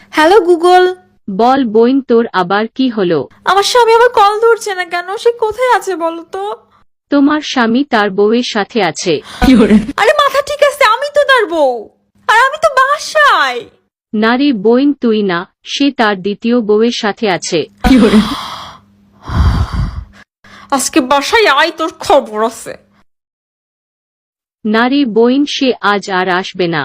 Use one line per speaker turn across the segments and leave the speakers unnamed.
Hello Google.
বল বইন, তোর আবার কি হলো?
আমার স্বামী আবার কল ধরছে না কেন? সে কোথায় আছে বলো তো?
তোমার স্বামী তার বউয়ের সাথে আছে।
আরে মাথা ঠিক আছে, আমি তো তার বউ, আর আমি তো বাসায়।
না রে বইন, তুই না, সে তার দ্বিতীয় বউয়ের সাথে আছে।
আজকে বাসায় আয়, তোর খবর আছে।
না রে বইন, সে আজ আর আসবে না।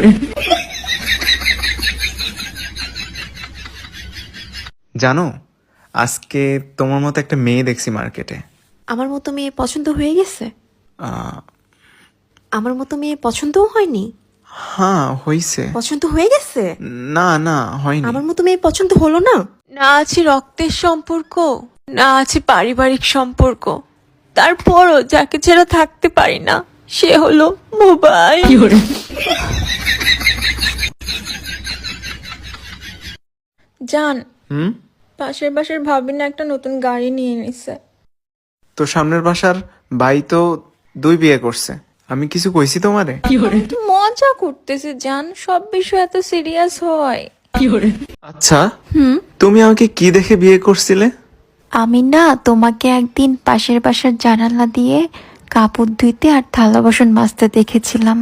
জানো, আজকে তোমার মতো একটা মেয়ে দেখছি মার্কেটে।
আমার মতো মেয়ে পছন্দ হয়ে গেছে?
আহ,
আমার মতো মেয়ে পছন্দও হয়নি?
হ্যাঁ হইছে।
পছন্দ হয়ে গেছে?
না না হয়নি।
আমার মতো মেয়ে পছন্দ হলো না? না আছে রক্তের সম্পর্ক, না আছে পারিবারিক সম্পর্ক, তারপরও যাকে ছাড়া থাকতে পারি না সে হলো মোবাইল। জান,
হুম?
পাশের বাসার ভাবি না একটা নতুন গাড়ি নিয়ে নিছে।
তো সামনের বাসার ভাই তো 2 বিয়ে করছে, আমি কিছু কইছি তোমারে?
তো মজা করতেছে জান, সব বিষয় এত সিরিয়াস হয়?
আচ্ছা, তুমি আমাকে কি দেখে বিয়ে করছিলে?
আমি না তোমাকে একদিন পাশের বাসার জানালা দিয়ে কাপড় ধুইতে আর থালা বাসন মাজতে দেখেছিলাম।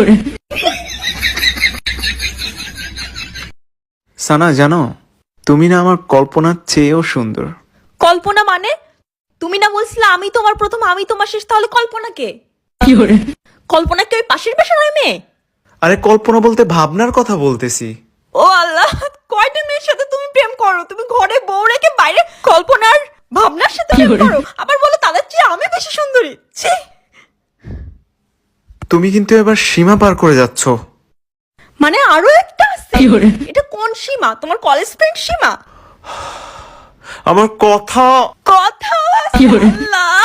সানা জানো, তুমি না আমার কল্পনার চেয়েও সুন্দর।
কল্পনা মানে? তুমি না বলছিলে আমি তোমার প্রথম আমি তোমার শেষ, তাহলে কল্পনা কে? কল্পনা কে ওই পাশের বাসার ওই মেয়ে?
আরে কল্পনা বলতে ভাবনার কথা বলতেছি।
ও আল্লাহ, কয়টা মেয়ের সাথে তুমি প্রেম করো? তুমি ঘরে বউ রেখে বাইরে কল্পনার ভাবনার সাথে প্রেম করো, আবার বলো তাদের চেয়ে আমি বেশি সুন্দরী। ছি!
তুমি কিন্তু এবার সীমা পার করে যাচ্ছ।
মানে আরো একটা আছে? এটা কোন সীমা? তোমার কলেজ ফ্রেন্ড সীমা?
আমার কথা
কথা আছে? আল্লাহ,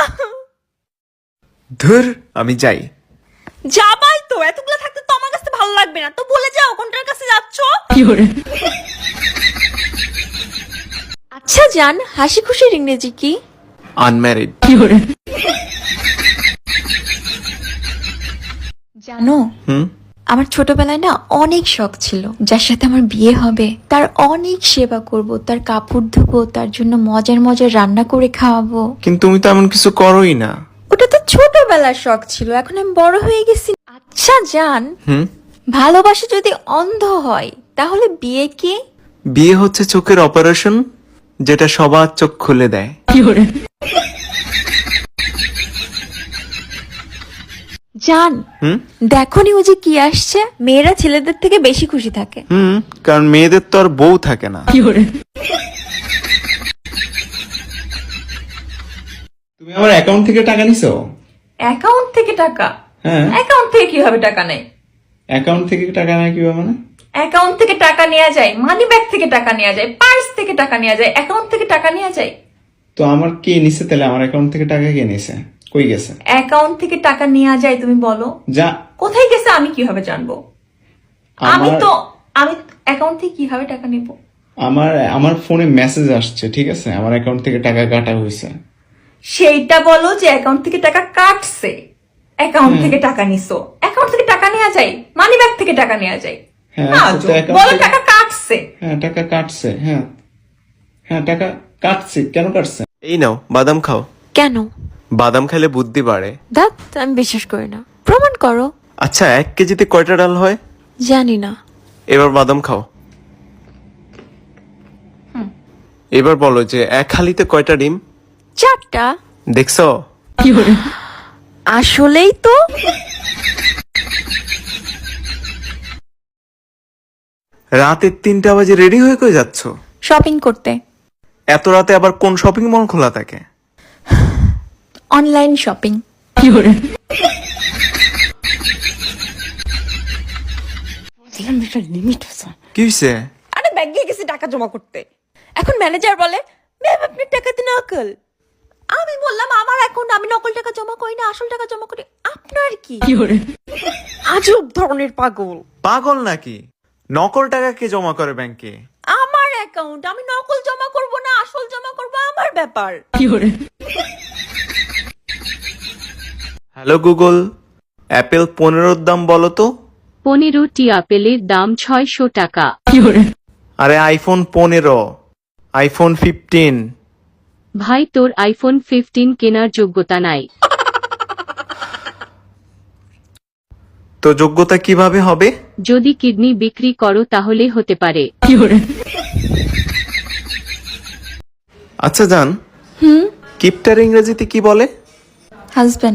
ধুর, আমি যাই।
যাবাই তো, এতগুলো থাকতে তো আমার কাছে ভালো লাগবে না, তো বলে যাও কোনটার কাছে যাচ্ছো। আচ্ছা জান, হাসি খুশির ইংরেজি কি?
আনম্যারিড।
জানো,
হুম?
আমার ছোটবেলায় না অনেক শখ ছিল যার সাথে আমার বিয়ে হবে তার অনেক সেবা করব, তার কাপড় ধুবো, তার জন্য মজার মজার রান্না করে খাওয়াবো।
কিন্তু তুমি তো এমন কিছু করোই না।
ওটা তো ছোটবেলার শখ ছিল, এখন আমি বড় হয়ে গেছি। আচ্ছা জান,
হুম?
ভালোবাসা যদি অন্ধ হয় তাহলে বিয়ে কি?
বিয়ে হচ্ছে চোখের অপারেশন, যেটা সবার চোখ খুলে দেয়।
জান,
হুম?
দেখোনি ও যে কি আসছে, মেয়েরা ছেলেদের থেকে বেশি খুশি থাকে।
হুম, কারণ মেয়েদের তো আর বউ থাকে না। তুমি আমার অ্যাকাউন্ট থেকে টাকা নিছো?
অ্যাকাউন্ট থেকে টাকা?
হ্যাঁ।
অ্যাকাউন্ট থেকে কিভাবে টাকা নেয়?
অ্যাকাউন্ট থেকে টাকা নেয় কিভাবে মানে?
অ্যাকাউন্ট থেকে টাকা নেওয়া যায়, মানি ব্যাগ থেকে টাকা নেওয়া যায়, পার্স থেকে টাকা নেওয়া যায়, অ্যাকাউন্ট থেকে টাকা নেওয়া যায়?
তো আমার কে নিছে তাহলে? আমার অ্যাকাউন্ট থেকে টাকা কে নিছে? কই গেছে?
অ্যাকাউন্ট থেকে টাকা নেওয়া যায়, তুমি বলো
যা।
কোথায় গেছে আমি কিভাবে জানবো? আমি অ্যাকাউন্ট থেকে কিভাবে টাকা নেব?
আমার ফোনে মেসেজ আসছে, ঠিক আছে, আমার অ্যাকাউন্ট থেকে টাকা কাটা হয়েছে।
সেইটা বলো যে অ্যাকাউন্ট থেকে টাকা কাটছে, অ্যাকাউন্ট থেকে টাকা নিছো। অ্যাকাউন্ট থেকে টাকা নেওয়া যায়, মানি ব্যাগ থেকে টাকা নেওয়া যায়।
হ্যাঁ,
আজব,
তো account
বলো
থেকে-
টাকা কাটছে।
হ্যাঁ, টাকা কাটছে। হ্যাঁ হ্যাঁ, টাকা কাটছে। কেন কাটছে? এই নাও বাদাম খাও।
কেন?
বাদাম খেলে বুদ্ধি বাড়ে।
দাঁত আমি বিশ্বাস করি না, প্রমাণ করো।
আচ্ছা, 1 কেজিতে কয়টা ডাল হয়?
জানি না।
এবার বাদাম খাও। এবার বলো যে 1 হালিতে কয়টা ডিম?
4টা।
দেখছো?
আসলেই তো।
রাতে 3টা বাজে রেডি হয়ে কই যাচ্ছ?
শপিং করতে।
এত রাতে আবার কোন শপিং মল খোলা থাকে?
Online shopping.
লিমিট আছে।
কি হইছে?
আরে ব্যাংকে গেছি টাকা জমা করতে, এখন ম্যানেজার বলে ম্যাম আপনার টাকাতে নকল। আমি বললাম আমার অ্যাকাউন্ট, আমি নকল টাকা জমা করি না, আসল টাকা জমা করি। আপনার কি? আজব ধরনের পাগল।
পাগল নাকি? নকল টাকা কে জমা করে ব্যাংকে?
আমার অ্যাকাউন্ট, আমি নকল জমা করব না আসল জমা করব, আমার ব্যাপার।
হ্যালো গুগল, অ্যাপেল 15 দাম বলো তো।
15টি আপেলের দাম 600 টাকা।
আরে আইফোন 15, আইফোন 15।
ভাই তোর আইফোন 15 কেনার যোগ্যতা নাই।
তো যোগ্যতা কিভাবে হবে?
যদি কিডনি বিক্রি করো তাহলে হতে পারে।
আচ্ছা জান, কিপটার ইংরেজিতে কি বলে?
হাজবেন্ড।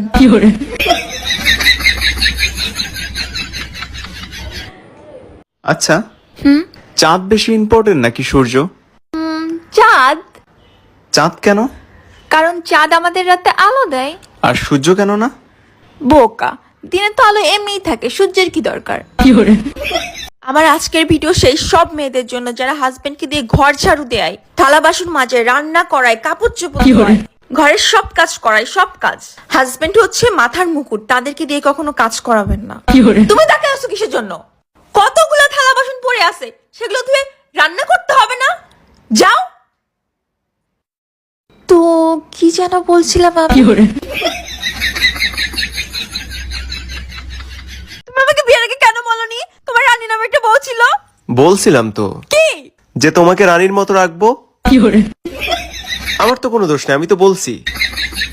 আচ্ছা, চাঁদ বেশি ইম্পর্টেন্ট নাকি সূর্য?
চাঁদ,
চাঁদ কেন?
কারণ চাঁদ আমাদের রাতে আলো দেয়।
আর সূর্য কেন না?
বোকা, দিনে তো আলো এমনিই থাকে, সূর্যের কি দরকার?
আমার আজকের ভিডিও সেই সব মেয়েদের জন্য যারা হাজবেন্ডকে দিয়ে ঘর ঝাড়ু দেয়, থালা বাসন মাজে, রান্না করায়, কাপড় চোপড় ধোয়, ঘরের সব কাজ করায়, সব কাজ। হাজবেন্ড হচ্ছে মাথার মুকুট, তাদেরকে দিয়ে কখনো কাজ করাবেন না। তুমি তাকে আসো কিসের জন্য? কতগুলো থালা বাসন পড়ে আছে, সেগুলো ধুয়ে রান্না করতে হবে না? যাও।
তো কি যেন বলছিলাম আমি?
তুমি আমাকে বিয়ের আগে কেন বলনি তোমার রানী নামে একটা বউ ছিল?
বলছিলাম তো
কি?
যে তোমাকে রানীর মতো রাখবো। আমার তো কোনো দোষ নেই, আমি তো বলছি।